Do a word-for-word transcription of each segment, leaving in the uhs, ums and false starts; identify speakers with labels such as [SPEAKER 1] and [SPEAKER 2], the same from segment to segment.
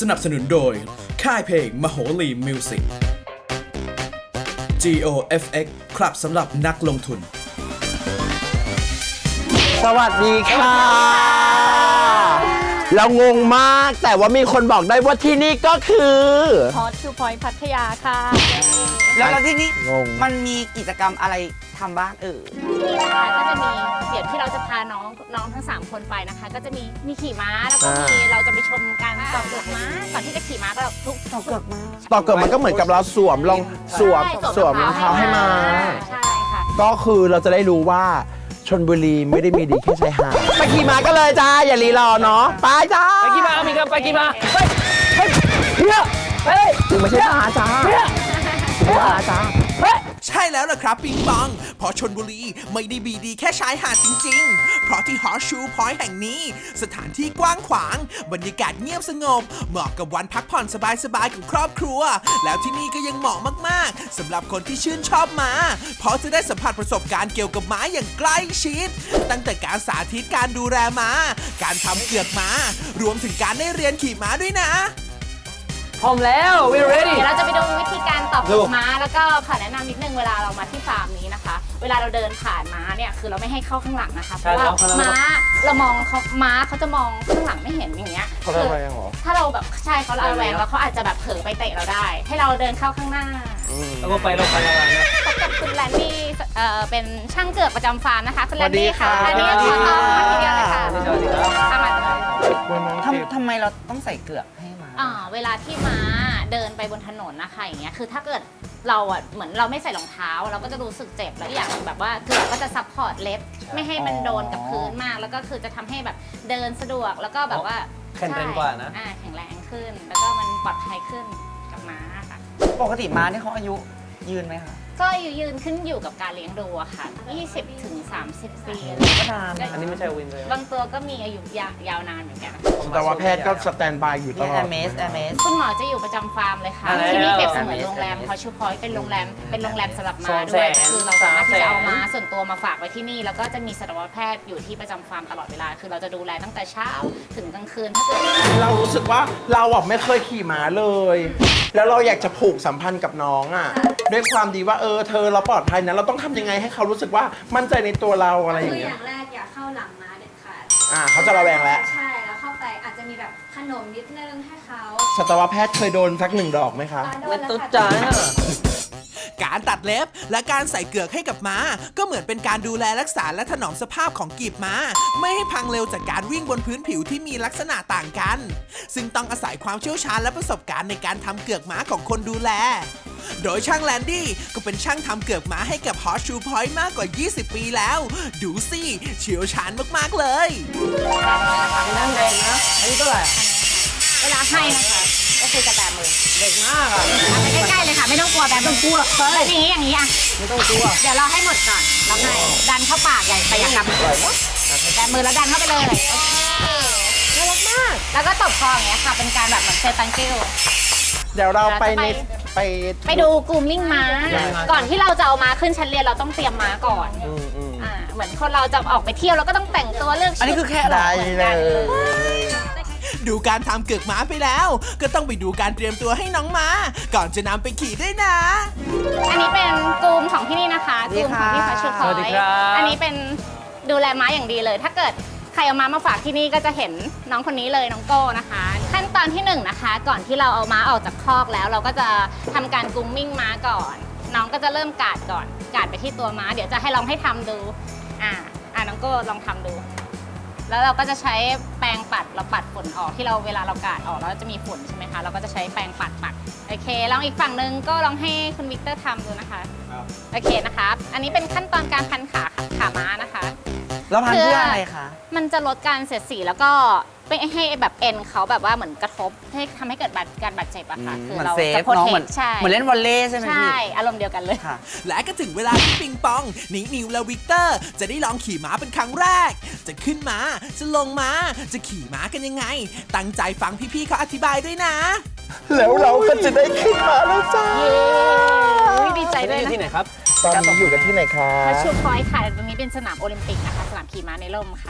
[SPEAKER 1] สนับสนุนโดยค่ายเพลงมโหรีมิวสิก จี โอ เอฟ เอ็กซ์ ครับสำหรับนักลงทุน
[SPEAKER 2] สวัสดีค่ะเรางงมากแต่ว่ามีคนบอกได้ว่าที่นี่ก็คือ
[SPEAKER 3] ฮอตทูพอยต์พัทยาค่ะ
[SPEAKER 4] แล้วแล้วที่นี่
[SPEAKER 2] งง
[SPEAKER 4] มันมีกิจกรรมอะไรทำบ้างเออ
[SPEAKER 3] ที่นี่นะคะก็จะมีเดี๋ยวที่เราจะพาน้องน้องทั้งสามคนไปนะคะ ก็จะมีมีขี่ม้าแล้วก็มีเราจะไปชมการต่อเกือกม้าก่อนที่จะขี่ม้าก็ทุกต่อเกือกม้า
[SPEAKER 2] ต่อเกิดมันก็เหมือนกับเราสวมรองสวมสวมรองเท้าให้มา
[SPEAKER 3] ใช่ค่ะ
[SPEAKER 2] ก็คือเราจะได้รู้ว่าชลบุรีไม่ได้มีดีแค่ชายหาดไปขี่ม้ากันเลยจ้าอย่ารีรอเนาะไปจ้า
[SPEAKER 5] ไปกี่มามีครับไปกี่มาเฮ้ยเฮ้ยเฮียเฮ้ย
[SPEAKER 2] ถึงไม่ใช่ม้าจ้าเฮียไม่ใช่ม้าจ้า
[SPEAKER 6] ใช่แล้วล่ะครับปิงปองเพราะชลบุรีไม่ได้มีดีแค่ชายหาดจริงๆเพราะที่ Horseshoe Point แห่งนี้สถานที่กว้างขวางบรรยากาศเงียบสงบเหมาะกับวันพักผ่อนสบายๆกับครอบครัวแล้วที่นี่ก็ยังเหมาะมากๆสำหรับคนที่ชื่นชอบม้าเพราะจะได้สัมผัสประสบการณ์เกี่ยวกับม้าอย่างใกล้ชิดตั้งแต่การสาธิตการดูแลม้าการทำเกือกม้ารวมถึงการได้เรียนขี่ม้าด้วยนะ
[SPEAKER 5] พร้อมแล้ว we ready
[SPEAKER 3] เดี๋ยวเราจะไปดูวิธีการต่อเกือกม้าแล้วก็ขอแนะนำนิดนึงเวลาเรามาที่ฟาร์มนี้นะคะเวลาเราเดินผ่านม้าเนี่ยคือเราไม่ให้เข้าข้างหลังนะคะเพราะว่าม้าเรามองเขาม้าเขาจะมองข้างหลังไม่เห็นอย่างเงี้ย
[SPEAKER 2] เขาระแวงเหรอ
[SPEAKER 3] ถ้าเราแบบใช่เขาระแวงแล้วเขาอาจจะแบบเผลอไปเตะเราได้ให้เราเดินเข้าข้างหน้า
[SPEAKER 5] แล้วก็ไปเราไปเรานะ
[SPEAKER 3] พบกับคุณแลนดี้เอ่อเป็นช่างเกือกประจำฟาร์มนะคะคุณแลนดี้ค่ะอันนี้ขอต้อนรับทีเดียวเลยค่ะ
[SPEAKER 5] สวัสดีครับ
[SPEAKER 3] ทำมา
[SPEAKER 4] ทำทำไมเราต้องใส่เกลือกให้มา
[SPEAKER 3] อ่าเวลาที่ม้าเดินไปบนถนนนะคะอย่างเงี้ยคือถ้าเกิดเราอ่ะเหมือนเราไม่ใส่รองเท้าเราก็จะรู้สึกเจ็บแล้วอย่างแบบว่าเกลือกก็จะซัพพอร์ตเล็บไม่ให้มันโดนกับพื้นมากแล้วก็คือจะทำให้แบบเดินสะดวกแล้วก็แบบว่า
[SPEAKER 5] แข็งแรงกว่านะ
[SPEAKER 3] อ่าแข็งแรงขึ้นแล้วก็มันปลอดภัยขึ้นกับม้าค่ะ
[SPEAKER 4] ปกติม้าเนี่ยเขาอายุยืนไหมคะ
[SPEAKER 3] ก็ยืนขึ้นอยู่กับการเลี้ยงดูอะค่ะยี่สิบถึงสามสิบปี
[SPEAKER 4] ก็นาน
[SPEAKER 5] อันนี้ไม่ใช่วินเลย
[SPEAKER 3] บางตัวก็มีอายุยาวนานเหมือนกัน
[SPEAKER 2] แต่ว่าแพทย์ก็สแตนบายอยู่ตลอด
[SPEAKER 4] แอร์เมสแอร์เมส
[SPEAKER 3] คุณหมอจะอยู่ประจำฟาร์มเลยค่ะที่นี่เปรียบเสมือนโรงแรมฮอชูพอยต์เป็นโรงแรมเป็นโรงแรมสำหรับม้าด้วยคือเราสามารถที่จะเอาม้าส่วนตัวมาฝากไว้ที่นี่แล้วก็จะมีสัตวแพทย์อยู่ที่ประจำฟาร์มตลอดเวลาคือเราจะดูแลตั้งแต่เช้าถึงกลางคืนถ้าเกิด
[SPEAKER 2] เรารู้สึกว่าเราอ่ะไม่เคยขี่ม้าเลยแล้วเราอยากจะผูกสัมพันธ์กับน้องอ่ะด้วยความดีว่าเออเธอเราปลอดภัยนะเราต้องทำยังไงให้เขารู้สึกว่ามั่นใจในตัวเราอะไรอย่างเงี้ย
[SPEAKER 7] คืออย่างแรกอย่าเข้าหลังม้าเด็ดขาด
[SPEAKER 2] อ่าเขาจะระแวงแล้ว
[SPEAKER 7] ใช่แล้วเข้าไปอาจจะมีแบบขนมนิดนึงให้เขา
[SPEAKER 2] สัตวแพทย์เคยโดนสักหนึ่งดอกไหมคะ
[SPEAKER 5] ไม่ตุ๊ดจ้า
[SPEAKER 6] การตัดเล็บและการใส่เกือกให้กับม้าก็เหมือนเป็นการดูแลรักษาและถนอมสภาพของกีบม้าไม่ให้พังเร็วจากการวิ่งบนพื้นผิวที่มีลักษณะต่างกันซึ่งต้องอาศัยความเชี่ยวชาญและประสบการณ์ในการทำเกือกม้าของคนดูแลโดยช่างแลนดี้ก็เป็นช่างทำเกือกม้าให้กับ Horseshoe Point มากกว่ายี่สิบปีแล้วดูสิเชี่ยวชาญมากๆเลย
[SPEAKER 5] นั่งแดงนะอันนี้เท่าไหร่
[SPEAKER 3] เวลาให้นะคะก็คือจะแบมือ
[SPEAKER 5] เด็กมากอ่ะ
[SPEAKER 3] ไปใกล้ๆเลยค่ะไม่ต้องกลัวแบมือ
[SPEAKER 5] กลัว
[SPEAKER 3] แบบนี้อย่างนี้อ่ะ
[SPEAKER 5] ไม่ต้องกลัว
[SPEAKER 3] เดี๋ยวเราให้หมดก่อนแล้วให้ดันเข้าปากใหญ่ไปอย่างกับแบมือแล้วดันเข้าไปเลยน่ารักมากแล้วก็ตบคออย่างเงี้ยค่ะเป็นการแบบเหมือนเซตังกิ้ว
[SPEAKER 2] เดี๋ยวเราไปในไป
[SPEAKER 3] ไปดูกรูมมิ่งม้าก่อนที่เราจะเอาม้าขึ้นชั้นเรียนเราต้องเตรียมม้าก่อนอ่าเหมือนคนเราจะออกไปเที่ยวเราก็ต้องแต่งตัวเลือกชุด
[SPEAKER 4] อันนี้คือแค่อะไร
[SPEAKER 6] เลยดูการทำเกือกม้าไปแล้วก็ต้องไปดูการเตรียมตัวให้น้องม้าก่อนจะนำไปขี่ด้วยนะ
[SPEAKER 3] อันนี้เป็นกลุ่มของที่นี่นะคะกลุ่มของที่พัชพอยต์อันนี้เป็นดูแลม้าอย่างดีเลยถ้าเกิดใครเอาม้ามาฝากที่นี่ก็จะเห็นน้องคนนี้เลยน้องโก้นะคะขั้นตอนที่หนึ่งนะคะก่อนที่เราเอาม้าออกจากคอกแล้วเราก็จะทำการกรูมมิ่งม้าก่อนน้องก็จะเริ่มกาดก่อนกาดไปที่ตัวม้าเดี๋ยวจะให้ลองให้ทำดูอ่าอ่าน้องโก้ลองทำดูแล้วเราก็จะใช้แปรงปัดเราปัดฝุ่นออกที่เราเวลาเรากาดออกแล้วจะมีฝุ่นใช่ไหมคะเราก็จะใช้แปรงปัดปัดโอเคลองอีกฝั่งนึงก็ลองให้คุณวิกเตอร์ทำดูนะคะโอเคนะคะอันนี้เป็นขั้นตอนการพันขาขาม้านะคะ
[SPEAKER 4] แล้วพันเพื่ออะไรคะ
[SPEAKER 3] มันจะลดการเสียดสีแล้วก็ไม่ให้แบบเอ็นเขาแบบว่าเหมือนกระทบให้ทำให้เกิดการบาดเจ็บอะค่ะ
[SPEAKER 4] คือเราจะโปรเทคใช่เหมือนเล่นวอลเลย์ใช่ไหม
[SPEAKER 3] ใช่อารมณ์เดียวกันเลย
[SPEAKER 6] ค่ะและก็ถึงเวลาที่ปิงปองนิวนิวและวิกเตอร์จะได้ลองขี่ม้าเป็นครั้งแรกจะขึ้นม้าจะลงม้าจะขี่ม้ากันยังไงตั้งใจฟังพี่ๆเขาอธิบายด้วยนะ
[SPEAKER 2] แล้วเราก็จะได้ขึ้นมาแล้วจ้า
[SPEAKER 3] ดีใจด้วยนะ
[SPEAKER 5] ที่ไหนครับ
[SPEAKER 2] ตอนนี้อยู่กันที่ไหนคะ
[SPEAKER 3] Horseshoe Pointค่ะตรงนี้เป็นสนามโอลิมปิกนะคะสนามขี่ม้าในร่มค่ะ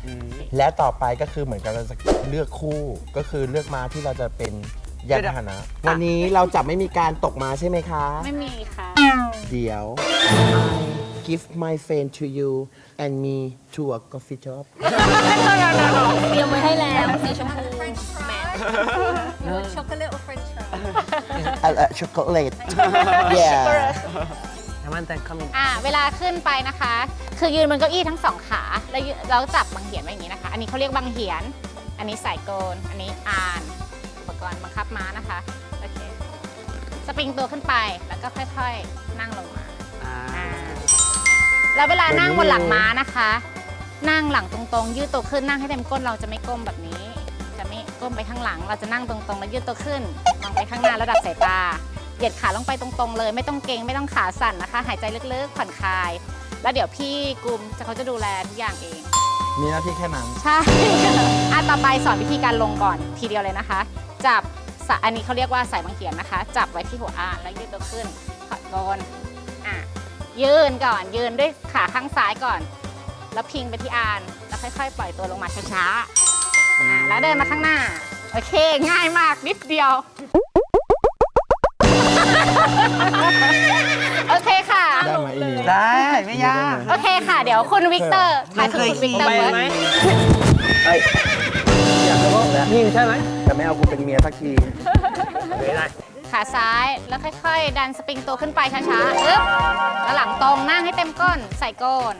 [SPEAKER 2] และต่อไปก็คือเหมือนกับเราจะเลือกคู่ก็คือเลือกม้าที่เราจะเป็นยานพาหนะ วันนี้เราจะไม่มีการตกม้าใช่ไหมคะ
[SPEAKER 3] ไม่มีค่ะ
[SPEAKER 2] เดี๋ยว I give my friend to you and me to a coffee shop
[SPEAKER 7] เตรียมไว้ให้แล้วสีชมพูแมทช็อกโกแลตโอเฟรนช์
[SPEAKER 2] a, a chocolate yeah
[SPEAKER 5] น้ำมันแต่งคำ
[SPEAKER 3] อ่าเวลาขึ้นไปนะคะ คือยืนบนเก้าอี้ทั้งสองขาแล้วยืเราจับบังเหียนไว้อย่างนี้นะคะ อันนี้เขาเรียกบังเหียน อันนี้สายโกนอันนี้อานอุปกรณ์บังคับม้านะคะโอเคสปริงตัวขึ้นไปแล้วก็ค่อยๆนั่งลงมาอ่าแล้วเวลานั่งบนหลังม้านะคะ นั่งหลังตรงๆยืดตัวขึ้นนั่งให้เต็มก้นเราจะไม่ก้มแบบนี้ จะไม่ก้มไปข้างหลัง เราจะนั่งตรงๆแล้วยืดตัวขึ้นมองไปข้างหน้าระดับสายตาเหยียดขาลงไปตรงๆเลยไม่ต้องเกรงไม่ต้องขาสั่นนะคะ หายใจลึกๆผ่อนคลาย แล้วเดี๋ยวพี่กุมจะเขาจะดูแลทุกอย่างเอง
[SPEAKER 2] มีหน้าที่แค่นั้น
[SPEAKER 3] ใช่ อ่ะต่อไปสอนวิธีการลงก่อนทีเดียวเลยนะคะ จับสะอันนี้เขาเรียกว่าสายบังเขียนนะคะ จับไว้ที่หัวอ่านแล้วยืดตัวขึ้นขอดโกนอ่ะยืนก่อนยืนด้วยขาข้างซ้ายก่อน แล้วพิงไปที่อ่านแล้วค่อยๆ ปล่อยตัวลงมาช้าๆอ่ะแล้วเดินมาข้างหน้าโอเคง่ายมากนิดเดียว โอเคค่ะ
[SPEAKER 2] ได้ไหมอีนี่
[SPEAKER 4] ได้ไม่ยาก
[SPEAKER 3] โอเคค่ะ เดี๋ยวคุณวิกเตอร์ถ่ายถึงคุณวิกเตอร์
[SPEAKER 5] ไป
[SPEAKER 3] เฟิร์ส
[SPEAKER 5] ไหม
[SPEAKER 2] ไอ้ยอยากจะบอกแล้ว
[SPEAKER 5] ยิงใช่ไหม
[SPEAKER 2] แต่ไม่เอากูเป็นเมียสักที
[SPEAKER 5] ไม่ได้
[SPEAKER 3] ขาซ้ายแล้วค่อยๆ ดันสปริงตัวขึ้นไปช้าๆอึ๊บแล้วหลังตรงนั่งให้เต็มก้นใส่ก้น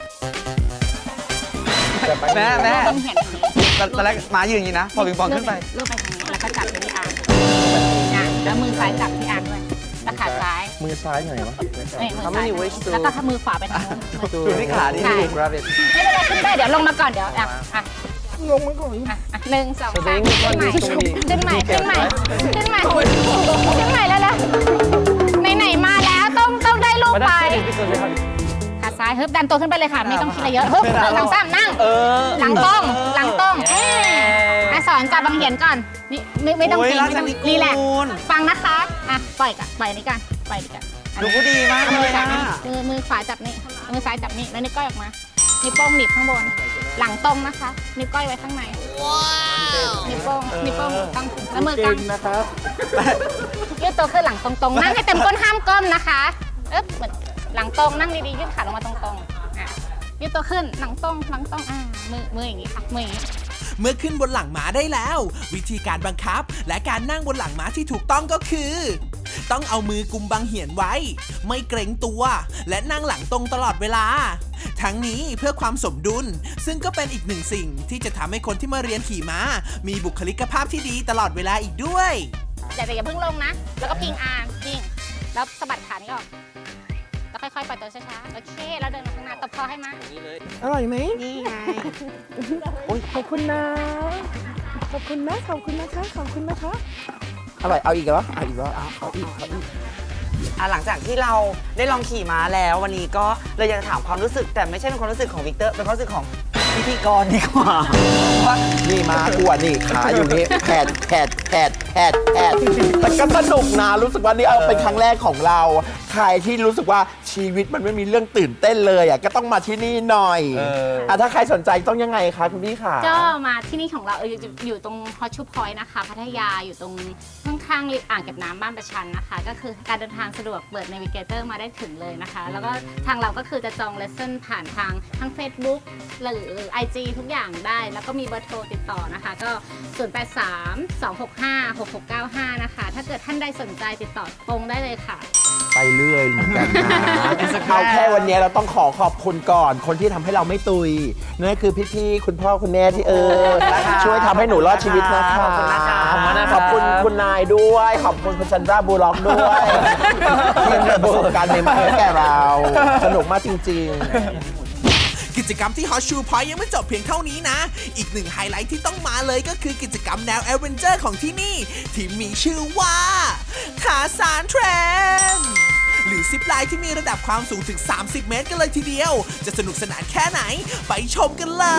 [SPEAKER 4] แม่แม่
[SPEAKER 3] ต้องเห็นอย่างนี้
[SPEAKER 4] ตอนตอนแรกหมายืนอย่างนี้นะ พอปิงปองขึ้นไป
[SPEAKER 3] ลูบไปทางนี้แล้วก็จับไปที่อ่างอ่ะแล้วมือซ้ายจับที่อ่างด้วยแล้วขาซ้าย
[SPEAKER 2] มือซ้ายไหนวะ
[SPEAKER 3] เอ้ยมือซ้ายแล้วก็มือขวาไปทางนู้น
[SPEAKER 4] ดูที่ขาดิ
[SPEAKER 3] ใช่
[SPEAKER 2] ราบิท
[SPEAKER 3] ไม่เป็นไรขึ้นได้เดี๋ยวลงมาก่อนเดี๋ยวอ่ะอ่ะ
[SPEAKER 2] ลงมาก่อน
[SPEAKER 3] อ่ะอ่ะหนึ่งสอง
[SPEAKER 5] ส
[SPEAKER 3] สา
[SPEAKER 5] ติ
[SPEAKER 3] ม
[SPEAKER 5] ง
[SPEAKER 3] ขึ้นใหม่
[SPEAKER 5] ตรงนี้
[SPEAKER 3] ขึ้นใหม่ขึ้นใหม่ขึ้นใหม่ขึ้นใหม่แล้วแล้วไหนๆมาแล้วต้องต้องได้รูป
[SPEAKER 5] มา
[SPEAKER 3] ไป
[SPEAKER 5] ได้ที่สุดเลยครับ
[SPEAKER 3] ขาซ้ายฮึบดันตัวขึ้นไปเลยค่ะ ไม่ต้องคิดอะไรเยอะฮึบหลังซ้ำนั่ง
[SPEAKER 5] เออ
[SPEAKER 3] หลังตรงหลังตรงเอ๊ะสอนจับบังเหียนก่อนนี่ไม่ไม่ต้อง
[SPEAKER 4] โอ้ย
[SPEAKER 3] เกรง
[SPEAKER 4] รัก
[SPEAKER 3] ไม่ต้อง
[SPEAKER 4] นิกูล
[SPEAKER 3] รีแลกซ์ฟังนะคะอ่ะปล่อยกันปล่อยนี้กันปล่อยนี้กันอัน
[SPEAKER 4] ดู
[SPEAKER 3] นี้
[SPEAKER 4] ก็ดีมาก
[SPEAKER 3] เอา
[SPEAKER 4] เล
[SPEAKER 3] มือย จับ
[SPEAKER 4] นะ
[SPEAKER 3] นี่มือมือขวาจับนี่มือซ้ายจับนี่แล้วนิ้วก้อยออกมานิ้วโป้งหนีบข้างบน หลังตรงนะคะนิ้วก้อยไว้ข้างในนิ้วโป้งนิ้วโป้งตั้งแล้วมือกาง
[SPEAKER 2] นะครับ
[SPEAKER 3] ยืดตัวขึ้นหลังตรงๆนั่งให้เต็มก้นห้ามก้มนะคะอึ๊บเหมือนหลังตรงนั่งดีๆยืดขาลงมาตรงๆอ่ะยืดตัวขึ้นหลังตรงหลังตรงอ่ามือมืออย่างนี้ค่ะมืออย่างนี้
[SPEAKER 6] เมื่อขึ้นบนหลังม้าได้แล้ว วิธีการบังคับ และการนั่งบนหลังม้าที่ถูกต้องก็คือ ต้องเอามือกุมบังเหียนไว้ ไม่เกรงตัว และนั่งหลังตรงตลอดเวลา ทั้งนี้เพื่อความสมดุล ซึ่งก็เป็นอีกหนึ่งสิ่งที่จะทำให้คนที่มาเรียนขี่ม้า มีบุคลิกภาพที่ดีตลอดเวลาอีกด้วย
[SPEAKER 3] อย่าแต่อย่าเพิ่งลงนะ แล้วก็พิงอาร์มพิงแล้วสะบัดขานี้ออกแล้วค่อยๆปล่อยตัวช้าๆโอเคแล้วเดินมาข้างหน้าตบคอให้มา
[SPEAKER 2] อร่อยไหม
[SPEAKER 4] นี่ไง
[SPEAKER 2] ขอบคุณนะ ขอบคุณนะ ขอบคุณนะคะ ขอบคุณนะคะ อร่อย เอาอีกเหรอเอาอีกเหรอเอาเอาอีกเอาอีก
[SPEAKER 4] อ่ะหลังจากที่เราได้ลองขี่ม้าแล้ววันนี้ก็เลยอยากจะถามความรู้สึก แต่ไม่ใช่เป็นความรู้สึกของวิกเตอร์เป็นความรู้สึกของพิธีกรดีกว่าว่า
[SPEAKER 2] นี่มากลัวนี่ขาอยู่นี่แผดแผดแผดแผดแผดแต่ก็สนุกนะรู้สึกว่านี่เอาเป็นครั้งแรกของเรา ใครที่รู้สึกว่าชีวิตมันไม่มีเรื่องตื่นเต้นเลยอ่ะก็ต้องมาที่นี่หน่อยอ่ะถ้าใครสนใจต้องยังไงคะคุณพี่ค่ะ
[SPEAKER 3] ก็มาที่นี่ของเราเอออยู่อยู่ตรงฮอตชูพอยต์นะคะพัทยาอยู่ตรงข้างๆอ่างเก็บน้ำบ้านประชันนะคะ ก็คือการเดินทางสะดวกเปิด Navigator มาได้ถึงเลยนะคะ แล้วก็ทางเราก็คือจะจองเลสเซ่นผ่านทางทั้ง Facebook หรือ ไอ จี ทุกอย่างได้ แล้วก็มีเบอร์โทรติดต่อนะคะ ก็ ศูนย์ แปด สาม สอง หก ห้า หก หก เก้า ห้า นะคะ ถ้าเกิดท่านใดสนใจติดต่อตรงได้เลยค่ะ
[SPEAKER 2] ไปเรื่อยเหมือนกันนะเอาแค่วันนี้เราต้องขอขอบคุณก่อน คนที่ทำให้เราไม่ตุยนั่นคือพี่ๆคุณพ่อคุณแม่ที่เออช่วยทำให้หนูรอดชีวิตนะคะ
[SPEAKER 4] ขอบคุณนะคะ
[SPEAKER 2] ขอบคุณคุณนายด้วย ขอบคุณคุณซันดราบูล็อกด้วยที่มีประสบการณ์ใหม่ๆให้แก่เรา สนุกมากจริงๆ
[SPEAKER 6] กิจกรรมที่ Horseshoe Point ยังไม่จบเพียงเท่านี้นะ อีกหนึ่งไฮไลท์ที่ต้องมาเลยก็คือกิจกรรมแนวแอดเวนเจอร์ของที่นี่ ที่มีชื่อว่าขาสานเทรนหรือซิปไลน์ที่มีระดับความสูงถึง สามสิบ เมตรกันเลยทีเดียว จะสนุกสนานแค่ไหน ไปชมกันเลย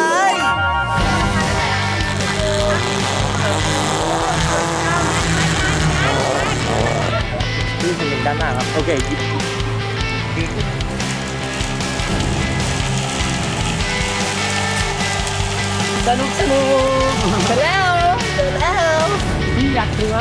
[SPEAKER 5] ที่คุณด้านหน้าครับ โอเคสนุกสนุกเสร็จแล้วเสร็จแล้วอยากถือไหม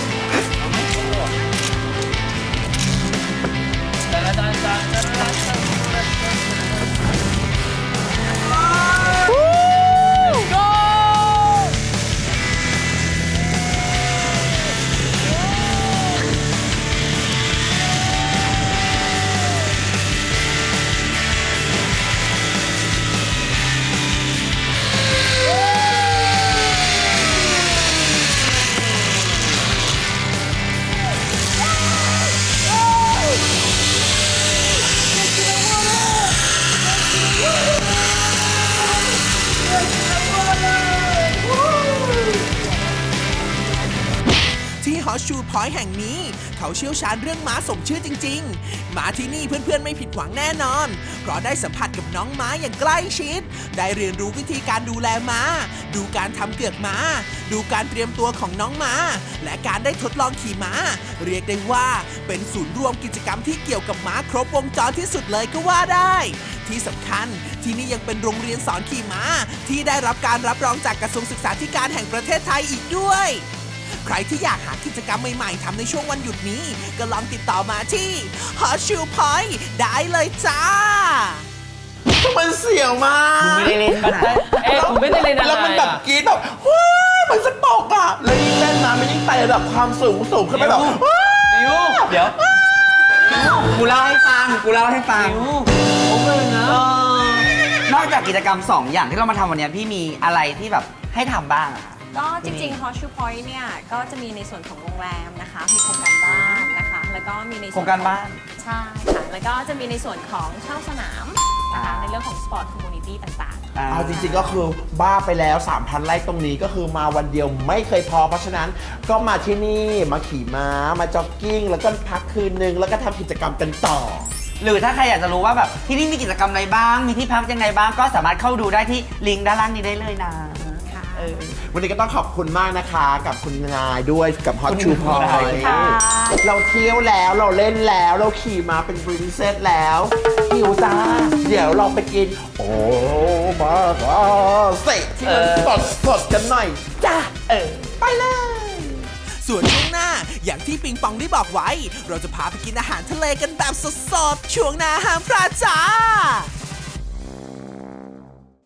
[SPEAKER 6] ที่ฮอร์สชูพอยต์แห่งนี้เขาเชี่ยวชาญเรื่องม้าสมชื่อจริงๆมาที่นี่เพื่อนๆไม่ผิดหวังแน่นอนเพราะได้สัมผัสกับน้องม้าอย่างใกล้ชิดได้เรียนรู้วิธีการดูแลม้าดูการทำเกือกม้าดูการเตรียมตัวของน้องม้าและการได้ทดลองขี่ม้าเรียกได้ว่าเป็นศูนย์รวมกิจกรรมที่เกี่ยวกับม้าครบวงจรที่สุดเลยก็ว่าได้ที่สำคัญที่นี่ยังเป็นโรงเรียนสอนขี่ม้าที่ได้รับการรับรองจากกระทรวงศึกษาธิการแห่งประเทศไทยอีกด้วยใครที่อยากหากิจกรรมใหม่ๆทำในช่วงวันหยุดนี้ก็ลองติดต่อมาที่ Horseshoe Point ได้เลยจ้า
[SPEAKER 2] มันเสียวมาก
[SPEAKER 4] ไม่ได้เล่นขนาด
[SPEAKER 5] เอ๊ะผมไม่ได้เล่นอะไร
[SPEAKER 2] แล้วมันแบบกรี๊ดแบบว้ายมันจะตกอ่ะแล้วยิ่งเล่นมามันยิ่งไต่ระดับความสูงสูงขึ้นไปแบบว้าย
[SPEAKER 5] นิวเดี๋ยว
[SPEAKER 4] กูเล่าให้ฟังกูเล่าให้ฟัง
[SPEAKER 5] นิวโอเวอร์นะ
[SPEAKER 4] เออนอกจากกิจกรรมสองอย่างที่เรามาทำวันนี้พี่มีอะไรที่แบบให้ทำบ้างอะ
[SPEAKER 7] ก็จริงๆ Horseshoe Point เนี่ย ก็จะมีในส่วนของโรงแรมนะคะ มีโครงการบ้านนะคะ แล้วก็มีในส่วน
[SPEAKER 4] โครงการบ้าน
[SPEAKER 7] ใช่ค่ะ แล้วก็จะมีในส่วนของเช่าสนามนะคะ ในเรื่องของสปอร์ตคอมมูนิตี้ต่างๆ
[SPEAKER 2] เอาจริงๆก็คือบ้าไปแล้ว สามพัน ไร่ตรงนี้ก็คือมาวันเดียวไม่เคยพอเพราะฉะนั้นก็มาที่นี่มาขี่ม้ามาจ็อกกิ้งแล้วก็พักคืนนึงแล้วก็ทำกิจกรรมกันต่อ
[SPEAKER 4] หรือถ้าใครอยากจะรู้ว่าแบบที่นี่มีกิจกรรมอะไรบ้าง มีที่พักยังไงบ้าง ก็สามารถเข้าดูได้ที่ลิงก์ด้านล่างนี้ได้เลยนะ
[SPEAKER 7] ค่ะ
[SPEAKER 4] เออ
[SPEAKER 2] วันนี้ก็ต้องขอบคุณมากนะคะกับคุณนายด้วยกับ Horseshoe
[SPEAKER 4] ขอบคุณ
[SPEAKER 2] Point
[SPEAKER 4] ค่ะ
[SPEAKER 2] เราเที่ยวแล้วเราเล่นแล้วเราขี่มาเป็น princess แล้วหิวจ้า เดี๋ยวเราไปกิน โอ้มาเสร็จที่มันสดสดๆกันหน่อยจ้าเออไปเลย
[SPEAKER 6] ส่วนช่วงหน้าอย่างที่ปิงปองได้บอกไว้ เราจะพาไปกินอาหารทะเลกันแบบสดๆช่วงหน้าห้ามพลาดจ้า